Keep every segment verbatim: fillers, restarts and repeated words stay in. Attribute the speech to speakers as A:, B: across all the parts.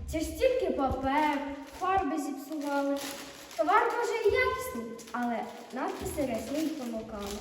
A: Це ж стільки папер, фарби зіпсували. Товар може і якісний, але надписи рясні помилками.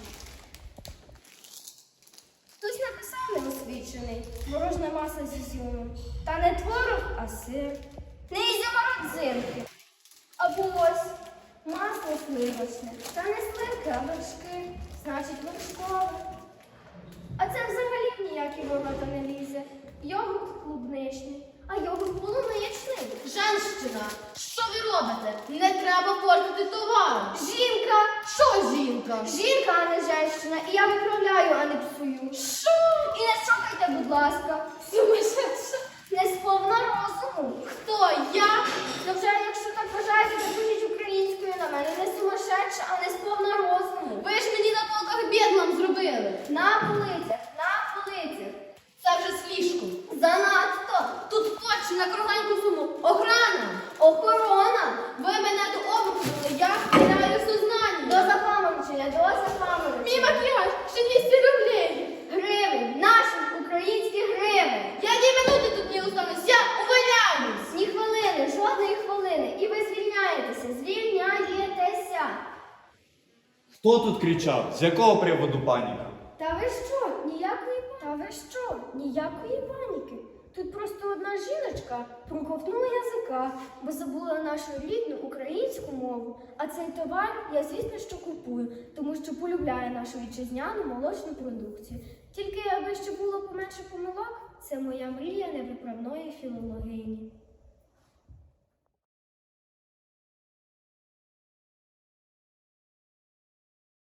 A: Хтось написав неосвічений, морожне масло з ізюмом. Та не творог, а сир. Не ізюма родзинки. Або ось масло сливочне. Та не сливки, а вершки. Значить, вершкове. А це взагалі ніякий ворота не лізе. Йогурт клубничний, а йогурт полуничний.
B: Женщина, що ви робите? Не треба портити товар.
A: Жінка!
B: Що жінка?
A: Жінка, а не женщина. І я виправляю, а не псую.
B: Що?
A: І не шокайте, будь ласка.
B: Сумасшедша.
A: Не сповна розуму.
B: Хто? Я?
A: Ну вже, якщо так вважаєте, то пишіть українською на мене. Не сумасшедша, а не сповна розуму.
B: Ви ж мені на полках бєдлам зробили.
A: На полицях, на полицях.
B: Це вже слишком.
A: Занадто.
B: Тут точно на кругленьку суму. Охрана.
A: Охорона.
B: Ви мене до обманули, я теряю сознання.
A: До запаморочення, до запаморочення.
B: Мій макіяж, ще двісті рублей.
A: Гривень, наших українських гривень.
B: Я ні минути тут не останусь, я увольняюсь.
A: Ні хвилини, жодної хвилини. І ви звільняєтеся, звільняєтеся.
C: Хто тут кричав? З якого приводу паніка?
A: Та ви що? Ніякої Та ви що? Ніякої паніки. Тут просто одна жіночка проковтнула язика, бо забула нашу рідну українську мову. А цей товар я, звісно, що купую, тому що полюбляю нашу вітчизняну молочну продукцію. Тільки аби ще було поменше помилок, це моя мрія невиправної філологині.